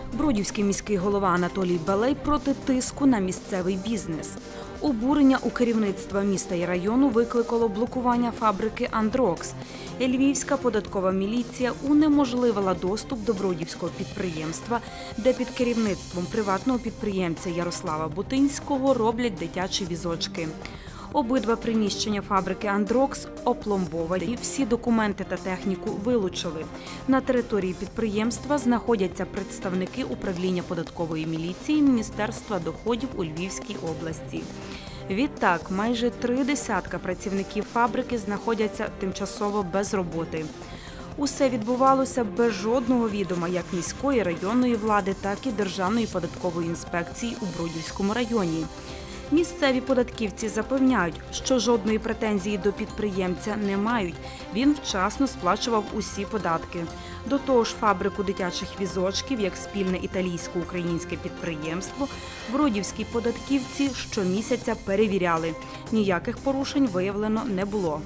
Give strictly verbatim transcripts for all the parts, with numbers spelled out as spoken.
Бродівський міський голова Анатолій Балей проти тиску на місцевий бізнес. Обурення у керівництва міста і району викликало блокування фабрики «Андрокс». Львівська податкова міліція унеможливила доступ до бродівського підприємства, де під керівництвом приватного підприємця Ярослава Бутинського роблять дитячі візочки. Обидва приміщення фабрики «Андрокс» опломбовані, всі документи та техніку вилучили. На території підприємства знаходяться представники управління податкової міліції Міністерства доходів у Львівській області. Відтак, майже три десятка працівників фабрики знаходяться тимчасово без роботи. Усе відбувалося без жодного відома як міської районної влади, так і Державної податкової інспекції у Бродівському районі. Місцеві податківці запевняють, що жодної претензії до підприємця не мають. Він вчасно сплачував усі податки. До того ж, фабрику дитячих візочків, як спільне італійсько-українське підприємство, бродівські податківці щомісяця перевіряли. Ніяких порушень виявлено не було.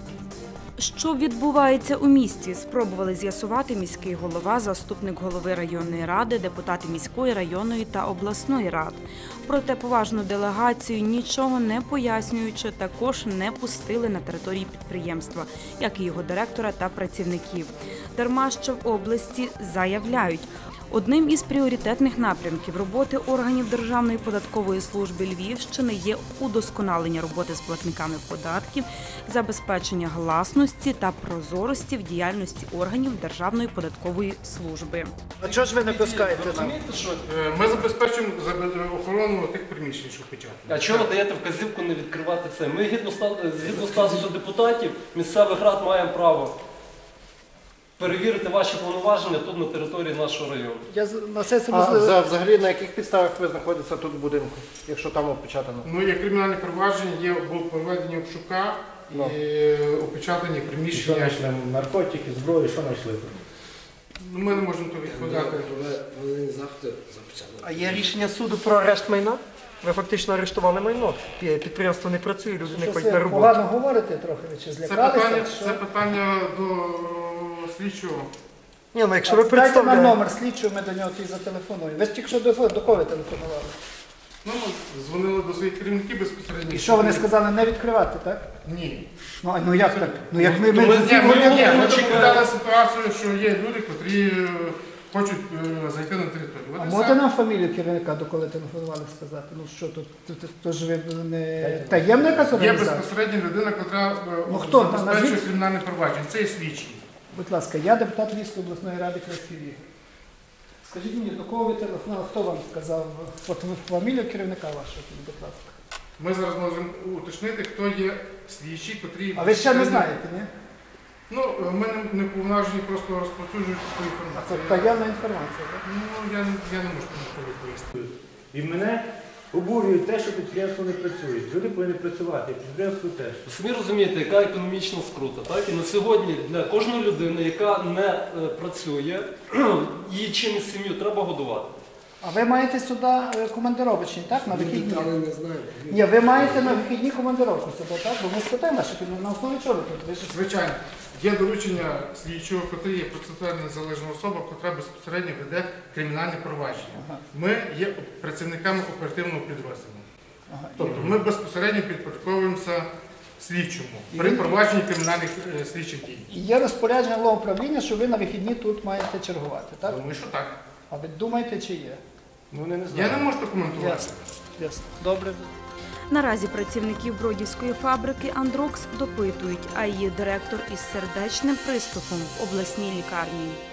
Що відбувається у місті, спробували з'ясувати міський голова, заступник голови районної ради, депутати міської, районної та обласної рад. Проте поважну делегацію, нічого не пояснюючи, також не пустили на території підприємства, як і його директора та працівників. Дарма що в області заявляють, одним із пріоритетних напрямків роботи органів Державної податкової служби Львівщини є удосконалення роботи з платниками податків, забезпечення гласності та прозорості в діяльності органів Державної податкової служби. А чого ж ви не пускаєте нам? Розумієте, що ми забезпечуємо охорону тих приміщень, що печатають. А чого ви даєте вказівку не відкривати це? Ми згідно статусу депутатів місцевих рад маємо право перевірити ваші повноваження тут на території нашого району. Я на сесії А можливо. за- взагалі на яких підставах ви знаходитеся тут в будинку, якщо там опечатано? Ну, є кримінальне провадження, є було проведення обшука Ну. і опечатані Що приміщення. знайшли? Наркотики, зброю, що знайшли? Ну, ми не можемо то відповідати. А є рішення суду про арешт майна? Ви фактично арештували майно. Підприємство не працює, люди не ходять на роботу. Погано говорите трохи, ви чи Це злякалися? питання, що? це питання до слідчого. Ні, ну якщо ви представляєте... Дайте нам номер слідчого, ми до нього тоді зателефонуємо. Ви ж тільки що до, до кого ви телефонували? Ну, ми дзвонили до своїх керівників безпосередньо. І що вони сказали, не відкривати, так? Ні. Ну, а ну як так? Ну як ми... ми, Ні, ми, ми, ні, ми доповідали ситуацію, що є люди, котрі е, хочуть е, зайти на територію. А От і можете все. нам фамілію керівника, до коли телефонували, сказати? Ну що тут, тут, тут, тут ж ви не таємна якась Є організація? безпосередня людина, яка Ну, хто? забезпечує Назвіть. кримінальне провадження. Це є слідчий. Будь ласка, я депутат Львівської обласної ради Красиль Ігор. Скажіть мені, до кого ви телефонували, хто вам сказав от фамілію керівника вашого, будь ласка? Ми зараз можемо уточнити, хто є слідчий, котрий... А ви ще не знаєте, ні? Ну, ми не, не повноважені просто розповсюджувати таку А це інформацію. таємна інформація, так? Ну, я, я не можу ніколи пояснити. І мене обурює те, що підприємство не працює. Люди повинні працювати, підприємство теж. Самі розумієте, яка економічна скрута. Так? І на сьогодні для кожної людини, яка не е, працює, її чимось сім'ю треба годувати. А ви маєте сюди е, командировочні, так? На вихідні? не знаю. Ні, ви маєте на вихідні командировку сюди, так? Бо ми спитаємо, що на основі чого ви тут? Ви ж... Звичайно, є доручення слідчого, котрий є процесуальна незалежна особа, котра безпосередньо веде кримінальне провадження. Ага. Ми є працівниками оперативного підрозділу. Ага. Тобто ми безпосередньо підпорядковуємося слідчому І при ви- провадженні кримінальних е, слідчих дій. І є розпорядження головуправління, що ви на вихідні тут маєте чергувати, так? Думаю, що так. А ви думаєте, чи є? Ну, вони не Я знають. не можу коментувати. Ясно. Ясно. Добре. Наразі працівників бродівської фабрики «Андрокс» допитують, а її директор із сердечним приступом в обласній лікарні.